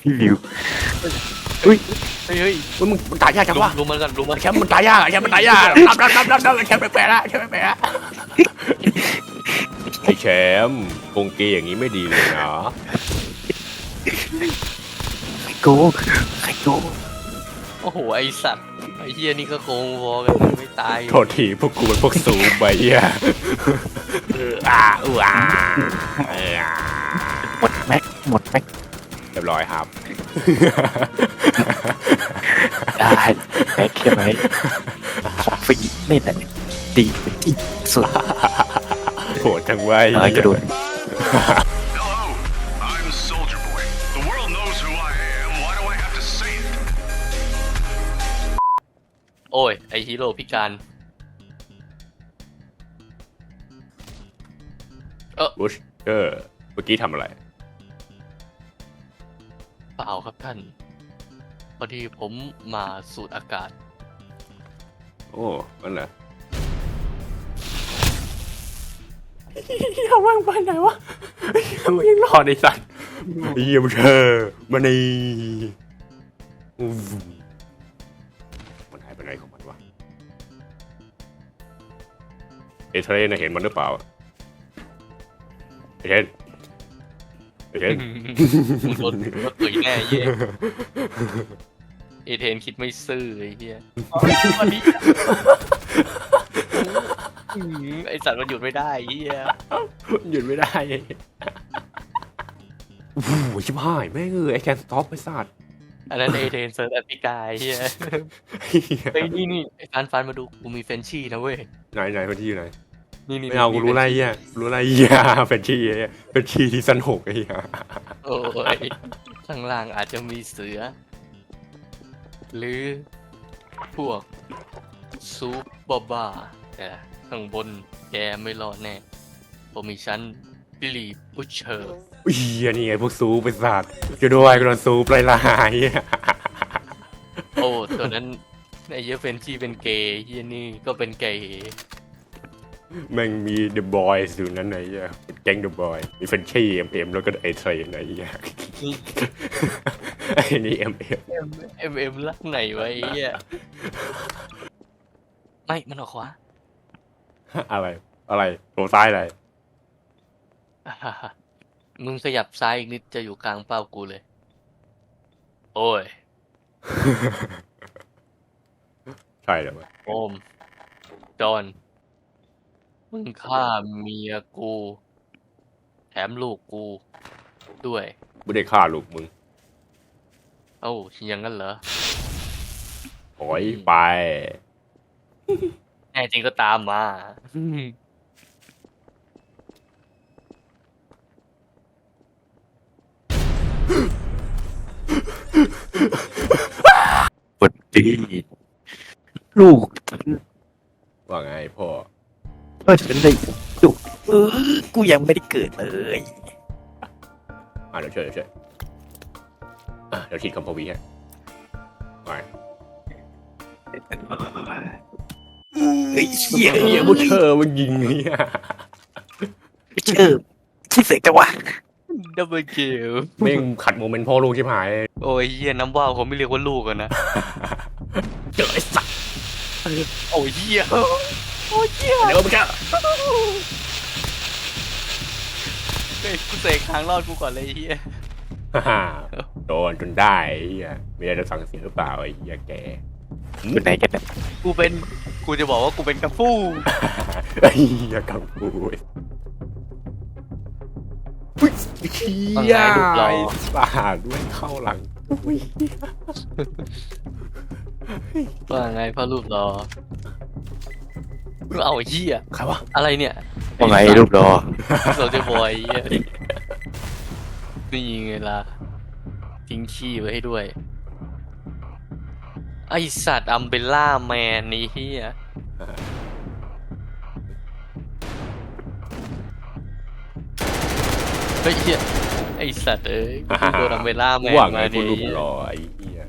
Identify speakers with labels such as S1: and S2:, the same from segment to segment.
S1: พี่วิวอุ้ย
S2: เฮ้ย
S1: เฮ้ยมึงตายยากจังวะ
S2: ลุมมันกันลุมมัน
S1: แชมป์มันตายยากแชมป์มันตายยากรับแชมป์แปลกๆละแชมป์แปลกๆละไอแชมป์โกงเกย์อย่างนี้ไม่ดีเลยนะ
S3: ใครโกงใครโกง
S2: โอ้โหไอสัตว์ไอเฮียนี่ก็โกงวอกันไม่ตาย
S1: โทษทีพวกกูเป็นพวกสูงไปอ่ะ
S3: หมดแม็กหมดแม็ก
S1: เรียบร้อยครับ
S3: ได้แม็กใช่ไหมของฟรีนี่แหละดีที่สุด
S1: โหดจังไว้
S3: กระโดด
S4: Hello, I'm Soldier Boy. The world knows who I am. Why do I have to say it?
S2: โอ้ยไอฮีโร่พิการ
S1: บุชเมื่อกี้ทำอะไร
S2: เปล่าครับท่านพอดีผมมาสูดอากาศ
S1: โอ้นั่นแหละเขาว่างไปไหนวะยังรอในสัตว์เยี่ยมเธอมาในมันหายไปไหนของมันวะเอเทรนเห็นมันหรือเปล่าเอเทรน
S2: มึงโดนตุ๋ยแน่เหี้ยเอเทนคิดไม่ซื่อไอ้เหี้ยไอสัตว์มันหยุดไม่ได้ไอ้เหี้ย
S1: หยุดไม่ได้โอ้โหชิบหายแม่งไอ้แคนสต็อปไอ้สัตว์
S2: อันนั้นเอเทนเซิร์ฟแอฟริกาไอ้เหี้ยไอ้ยนี่ไอ้ฟันมาดูกูมีเฟนชี่นะเว้ย
S1: ไหนคนที่อยู่ไหน
S2: นี่
S1: ไม่เอากูรู้ไรเหี้ยรู้ไรเหี้ยเป็นชีที่สนุกไอ้เหี้ย
S2: โอ้ยข้างล่างอาจจะมีเสือ หรือพวกซูปบาแต่ข้างบนแกไม่รอดแน่ผมมีชั้นบิลลี่บุชเชอร์
S1: เหี้ยนี่ไงพวกซูเป็นสัตว์จะด้วยกูโดนซูปลาย
S2: โอ้ตัวนั้นไอ้เหี้ยเฟนชี่เป็นเกย์เหี้ยนี่ก็เป็นเกย์
S1: แม่งมีเดอะบอยส์อยู่นั้นไหนเหี้ยแก๊งเดอะบอยมีเฟนชี่แล้วก็ไอเทรนไหนเหี้ยไอ้นี่เอ็ม
S2: รักไหนวะไอ้เหี้ยไม่มันออกขวา
S1: อะไรโหซ้ายอะไร
S2: มึงขยับซ้ายอีกนิดจะอยู่กลางเป้ากูเลย โอ้ย
S1: ใช่เลยวะ
S2: โอม จอน มึงฆ่าเมียกู แถมลูกกู ด้วย
S1: ไม่ได้ฆ่าลูกมึง
S2: เอ้าอย่างนั้นเหรอ
S1: ถอยไป
S2: แน่จริงก็ตามมา
S3: ปวดดีลูก
S1: ว่าไงพ่อ
S3: ฉันได้ลูกกูยังไม่ได้เกิดเลย
S1: เดี๋ยวช่วยเดี๋ยวคิดคำพวีให้ไป
S3: เฮ้ยเชี่ย
S1: เหี้ยพวกเธอมันยิงเนี่ย
S3: เชื่อที่เสกจังวะ
S2: ดับเบิลคิว
S1: แม่งขัดโมเมนต์พ่อลูกชิบหาย
S2: โอ้ยเหี้ยน้ำว่าวเขาไม่เรียกว่าลูกกันนะ
S1: เจอไอ้สัตว์
S2: โอ้ยเหี้ย
S1: เดี๋ยวมึงแค่
S2: เฮ้ยกูเสกทางรอดกูก่อนเลยไอ้เหี้ย
S1: โดนจนได้ไอ้เหี้ยมีอะไรจะสั่งเสียหรือเปล่าไอ้เหี้ยแก
S3: อยู่ไหนกันเนี่ย
S2: กูจะบอกว่ากูเป็นกระฟู้
S1: ไอ้เหี้ยกังฟูอุ้ยเหี้ยไอ้สาดด้วยเข้าหลังอุ้ย
S2: ว่าไงพ่อรูปรอเอาไอ้เหี้ย
S1: ใครวะ
S2: อะไรเนี่ย
S3: ว่าไงรูปรอ
S2: เราจะบอยไอ้เหี้ยนี่ไงล่ะทิ้งขี้ไว้ให้ด้วย ไอสัตว์อัมเบล่าแมนนี่เหี้ยเฮ้ยเหี้ยไอสัตว์เอ้ยกูโดนอัมเบล่าแมน
S1: ว่าไง
S2: มา
S1: กู
S2: ดิ
S1: รูปหล่อไอ้เหี้ย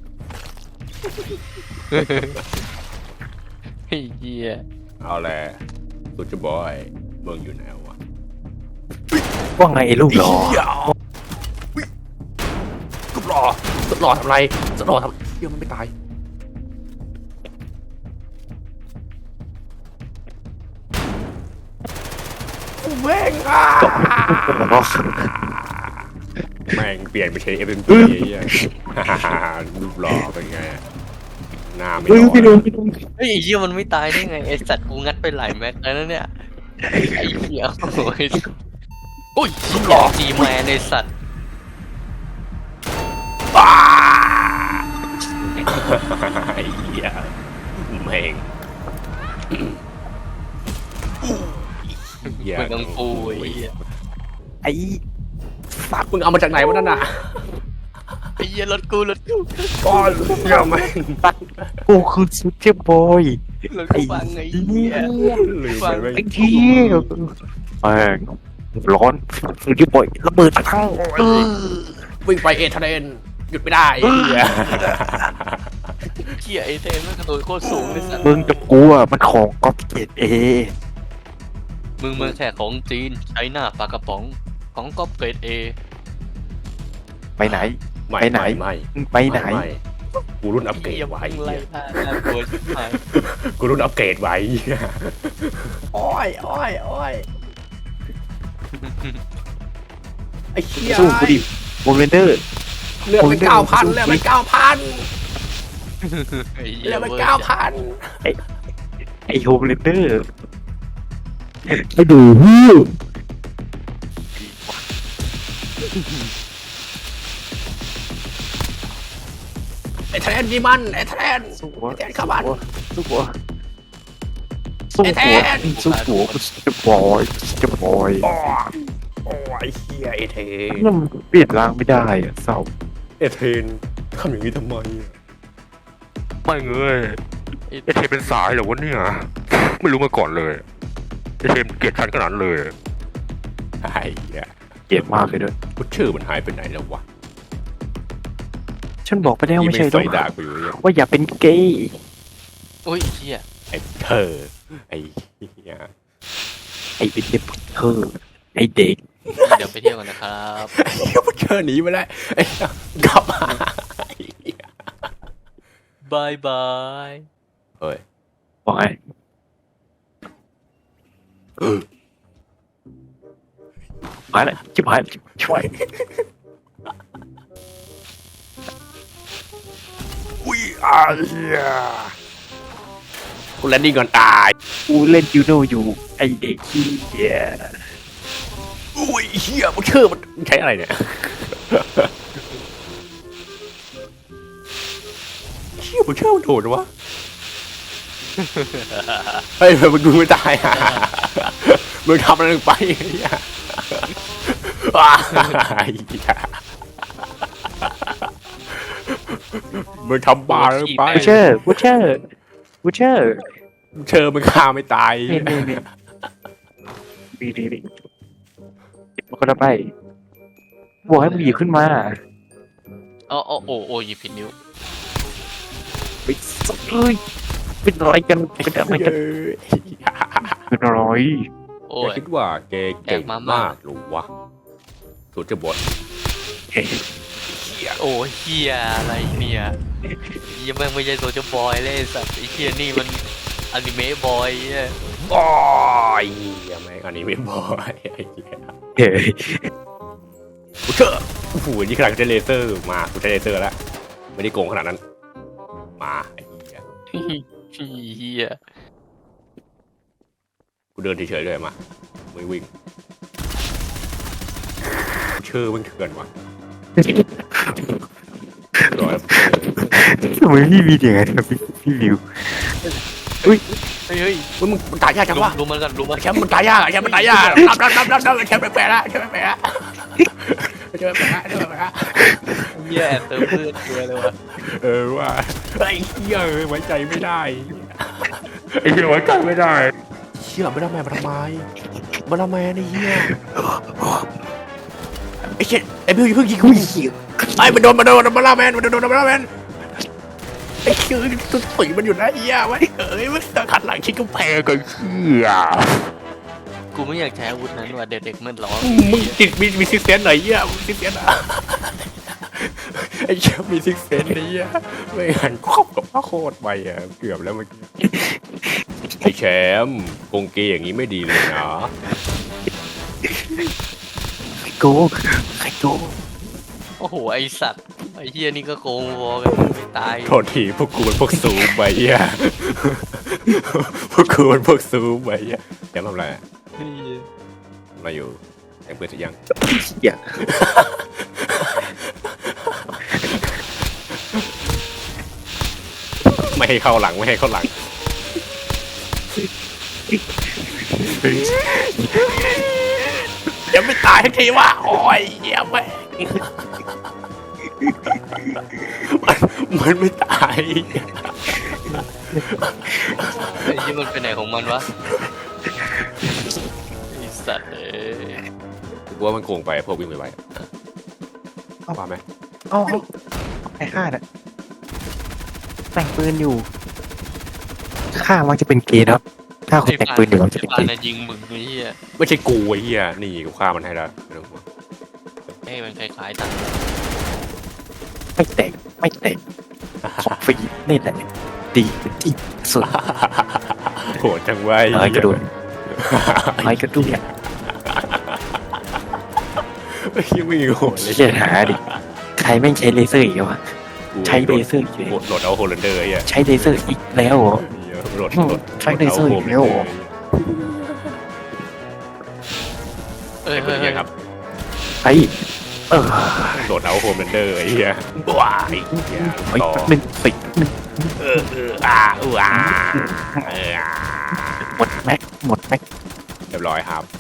S2: ไอ้เหี้ย
S1: เอาแหละสุดจะบอยเมืองอยู่ไหนวะ
S3: ว่าไงรูปรอ
S1: เหี้ยหล่อสุดหล่อทำไรสุดหล่อทำเหี้ยมันไม่ตายแม่งแม่งเปลี่ยนไปใช้ FMG รูปหล่อเป็นไงหน้าไม่หล่อ
S3: พี่ดูพี่ดู
S2: เฮ้ยไอ้เหี้ยมันไม่ตายได้ไงไอ้สัตว์กูงัดไปหลายแม็กแล้วนะเนี่ยไอ้เหี้ยโอ้ยอุ้ยเหี้ยจีแมนไอ้สัตว์
S1: ไอ้เหี้ยแม่งเหี้ย
S2: มึงต้องปูไอ้เหี้ย
S3: ไอ้
S1: สักมึงเอามาจากไหนวะนั่นน่ะ
S2: ไอ้เหี้ยรถกู
S1: ก้อนเหี้ยแม่ง
S3: กูคือซูเปอร์บอย
S2: รถกูฟังไอ้เหี้ย
S1: ลืมไปแม่ง
S3: ไอ้เหี้ยแม่งร้อนซูเปอร์บอยระเบิดทั้ง
S1: วิ่งไปเอทเรนหยุดไม่ได้ไอ้เหี้ย
S2: เหี้ยไอ้เทนมันกระโดดโคตรสูงไอ้สัตว์
S3: มึงกับกูอ่ะมันของก๊อปเกตเอ
S2: มึงแค่ของจีนใช้หน้าปลากระป๋องของก๊อปเกรดเอ
S3: ไปไหน
S1: ไม่
S3: ไปไหน
S1: ไม่
S3: มึงไปไหน
S1: ม่กูรุ่นอัปเกรด
S2: เหี้ย
S1: ไว้
S2: มึงไล่ล่าน่ากลัวชิบหาย
S1: กูรุ่นอัปเกรดไว้โอ้ยโอ้ยโอ้ยไอ้เหี้ย
S3: สู้กูดิโมเมนเดอร์
S1: เลือดไป9,000เลือดไป9,000
S2: ไอ้เหี้
S1: เลื
S2: ย
S1: อดไป
S2: เว้ย
S1: 9,000
S3: ไอโฮมเมนเดอร์ไอดูฮู้
S1: ไอ้แทนยี่มันไอ้แทน
S3: สู้หัว
S1: แทนเข้าบ้าน
S3: สู้หัวสู้
S1: ไอ้แท
S3: หัวน สู้หัวจะบอยจะบอย
S1: โอ้ยเฮียไอเทน
S3: มันเปลี่ยนร่างไม่ได้อะเศร้า
S1: ไอเทนทำอย่างนี้ทำไมอะ
S5: ไม่เงยไอเทมเป็นสายเหรอวะเนี่ย ไม่รู้มาก่อนเลยไอเทมเกลียดฉันขนาดนั้นเลย
S1: ไอ้เหี้ย
S3: เกลียดมากเลยด้วย
S1: กูชื่อมันหายไปไหนแล้ววะ
S3: ฉันบอกไปแล้วไม่ใช่หร
S1: ใส่
S3: อ
S1: ด่ากูอยู่เนี่ย
S3: ว่าอย่าเป็นเกย์
S2: อุ้ยเหี้ย
S1: ไอ้เธอไอ้เหี้ย
S3: ไอเป็นเด็กเธอไอเด็ก
S2: เดี๋ยวไปเที่ยวกันนะครับ
S1: ไอ้เหี้ยมันเชิญหนีไปแล้วไอ้เหี้ยกลับมาไอ้เหี้ย
S2: บายบาย
S1: เฮ้ย
S3: บอกไงมาแล้วชิบหายช่วย
S1: อุ้ยไอ้เหี้ยกูแลนดิ้งก่อนตาย
S3: กูเล่นยูโนอยู่ไอเด็กขี้เกียจ
S1: อุ้ยเหี้ยมันชื่อมันใช้อะไรเนี่ยเหี้ยมันชื่อมันโดดวะเฮ้ยมันดูไม่ตายอ่ะมึงทำอะไรลงไปไอ้เหี้ยว้ายไอ้เหี้ยมึงทำบาร์ลงไป
S3: บูเชอร์บูเชอร์บูเชอร์
S1: เชอมันฆ่าไม่ตาย
S3: นี่ดีมันก็ได้ไปบอกให้มึงหยิบขึ้นมา
S2: อ๋อโอ้หยิบผิดนิ้ว
S3: ไปสักเลยเป็นอะไรกันเป็นอะไรกันเป็นอะไร
S2: โอ้
S1: แก
S2: ย
S1: คิดว่าแกเก่ง
S2: แกมาก
S1: มากหรือวะสุดจะบด
S3: เฮ้ย
S2: โอ้ยเฮียอะไรเนี่ยเฮียแม่งไม่ใช่โซเชียลบอยเลยไอ้สัตว์ไอ้เฮียนี่มันอนิเมะบอยเนี่ย
S1: โอ้ยเหี้ยแม่งอันนี้ไม่บอยไอ้เหี้ย
S3: เฮ้ย
S1: กูเชอโอ้โหนี่ขนาดกูใช้เลเซอร์มากูใช้เลเซอร์แล้วไม่ได้โกงขนาดนั้นมาไอ้เหี้ย
S2: เฮีย
S1: กูเดินเฉยๆเลยมาไม่วิ่งเชื่อมึงเถื่อนวะร้อย
S3: ทำไมพี่มีอย่างนั้นครับพี่วิว
S2: เฮ้ย
S1: มึงตายยากจังวะ
S2: รู้มันกันรู้มัน
S1: แชมป์มันตายยากแชมป์มันตายยากรับแชมป์แปลกๆละแชมป์แปลกๆละแชมป์แปลกๆละแชมป์แปลกๆละ
S2: เฮียแอบเติมเลือดตัวเลยวะ
S1: ว่าไอ้เหี้ยไว้ใจไม่ได้
S5: ไอเทมไว้ใจไม่ได้
S1: เชี่ยไม่ได้แม่มาทำไมมาทำไมไอ้เหี้ยไอ้เชี่ยไอ้เพิ่งยิงกูไอ้มันโดนมาล่าแมนไอ้เชี่ยตัวสีมันอยู่นะไอ้เหี้ยไว้มันขัดหลังชิดกำแพงกัน
S2: กูไม่อยากใช้อาวุธนั้นว่ะเด็กๆมันร้อง
S1: มึงจิตมีซิเซนหน่อยเหี้ยซิเซนอ่ะไอ้เชี่ยมีซิกเซนนี่อะไม่หันครอบกับพระโคตรไปอ่ะเกือบแล้วเมื่อกี้ไอ้แชมป์โกงเกย์อย่างนี้ไม่ดีเลยนะ
S3: ใครโกงใครโกง
S2: โอ้โหไอสัตว์ไอเฮียนี่ก็โกงวอกันไม่ตาย
S1: โทษทีพวกกูเป็นพวกซูมไปอ่ะพวกกูเป็นพวกซูมไปอ่ะแชมป์ทำอะไรอะทำอะไรอยู่แต่งเปิดเสร็จยัง
S3: อย่า
S1: ไม่ให้เข้าหลังไม่ให้เข้าหลังยังไม่ตายทันทีว่าโอ้ยเหี้ยแม่งมันไม่ตาย
S2: ไอ้ยี่มันไปไหนของมันวะไอสัตว์เอ้ย
S1: กูว่ามันโกงไปพวกวิ่งไปว่าไหม
S3: เอ้าไอ้ข้าน่ะแต่งปืนอยู่ข้ามักจะเป็นเกย์นะครับถ้าคนแต่งปืนอยู่มักจะเป็น
S2: ปา
S3: เกย์
S2: น่ะยิงมึงไอ้เฮีย
S1: ไม่ใช่กูไอ้เหี้ยนี่กูฆ่ามันให้แล้วไม่ต้องห่วง
S2: ให้มันคล้ายๆตัด
S3: ไม่แต่งไม่แต่งของฟรีนี่แหละดีที่สุด
S1: โหดจังไว้
S3: อะไรกระโดดอะไรกระโดด
S1: ไม่ใช่ไม่โหดเลย
S3: เชี่ยหาดิใครแม่งใช้เลเซอร์อีกวะใช้เลเซอร์อีกเลย
S1: โหลดเอาโฮลันเดอร์ไอ้เหี้ย
S3: ใช้เลเซอร์อีกแล้วเหรอ
S1: โหลด
S3: ใช้เลเซอร์อีกแล้วเหรอ
S2: เอ้ย
S1: ไอ้คน
S2: เฮ้ย
S1: เหี้ยครับ
S3: ไอ้เออ
S1: โหลดเอาโฮลันเดอร์ไอ้เหี้ยว้ายเหี้ย
S3: ไอ้
S1: ต่อ
S3: หนึ่งสิหนึ่ง หมดแม็กหมดแม็ก
S1: เรียบร้อยครับ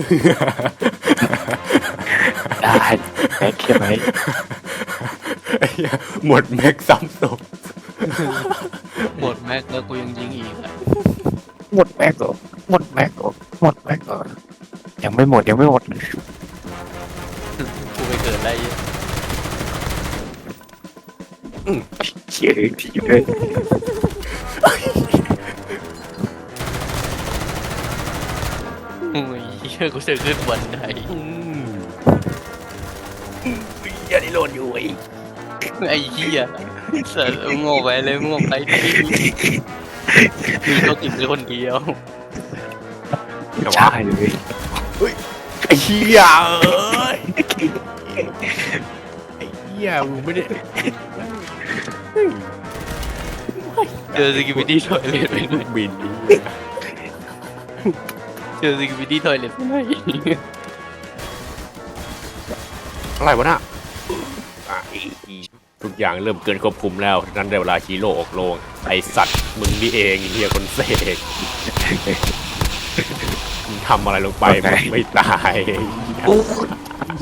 S3: ได้แม็กใช่ไหม
S1: ไอ้เหี้ยหมดแม็กซ้ำศพ
S2: หมดแม็กแล้วกูยังยิงอีกอ่ะ
S3: หมดแม็กเหรอหมดแม็กเหรอหมดแม็กเหรอยังไม่หมดยังไม่หมด
S2: กูไปเกิดอะไรเหี้ย
S3: เชี่ยทีเลย
S2: โอ้ยเฮียกูจะขึ้นบันได
S1: เหี้ยนี่โหลดอยู่ไอ้
S2: ไอ้เฮียสัตว์โง่ไปเลยโง่ไปดิมีเขากินไปคนเดียว
S3: ใช่เลย
S1: ไอ้เหี้ยเอ้ยไอ้เหี้ยมึงไม่ได้
S2: เจอสกิปปี้ทอยเลทไปหน่อย
S1: บิน
S2: เจอสกิปปี้ทอยเลทไปหน่อย
S1: อะไรวะน่ะอ่ะทุกอย่างเริ่มเกินควบคุมแล้วนั้นได้เวลาฮีโร่ออกโรงไอสัตว์มึงนี่เองไอ้เฮียคนเสกมึงทำอะไรลงไปมึงไม่ตาย
S3: โอ้โห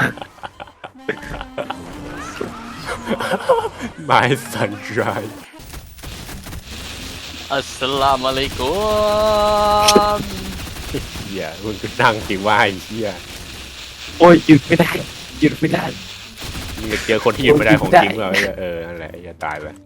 S1: My sunshine
S2: อัสสลามุอะลัยกุม
S1: เฮียมึงก็นั่งสิว่าไอ้เฮีย
S3: โอ้ยหยุดไม่ได้หยุดไม่ได้
S1: มึงจะเจอคนที่หยุดไม่ได้ของจริงเปล่าไอ้เหี้ยนั่นแหละไอ้เฮียตายไป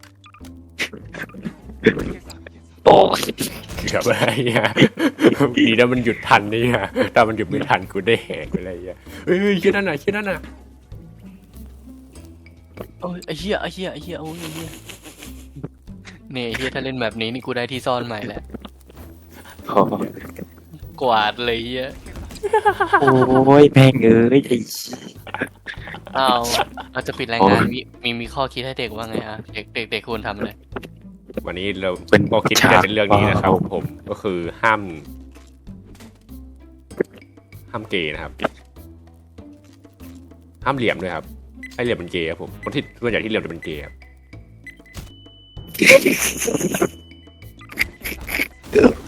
S3: โอ้
S1: เกือบอะไรเงี้ยดีนะมันหยุดทันนี่ฮะถ้ามันหยุดไม่ทันกูได้แหกไปเลยเฮ้ยชื่อนั่นน่ะชื่อนั่นน่ะ
S2: โอ้ยไอ้เหี้ยไอ้เหี้ยไอ้เหี้ยโอ้ยไอ้เหี้ยเนี่ยไอ้เหี้ยถ้าเล่นแบบนี้นี่กูได้ที่ซ่อนใหม่แหละ
S3: โห
S2: กวาดเลยเหี้ย
S3: โอ้ยแม่งเอ้ยไอ้
S2: อ้าวเราจะปิดรายงานมีข้อคิดให้เด็กว่าไงฮะเด็กควรทำอะไร
S1: วันนี้เราก็คิดที่จะเป็นเรื่องนี้นะครับผมก็คือห้ามเกย์นะครับ ห้ามเหลี่ยมด้วยครับให้เหลี่ยมเป็นเกย์ครับผมคนที่ส่วนใหญ่ที่เหลี่ยมจะเป็นเกย์ครับ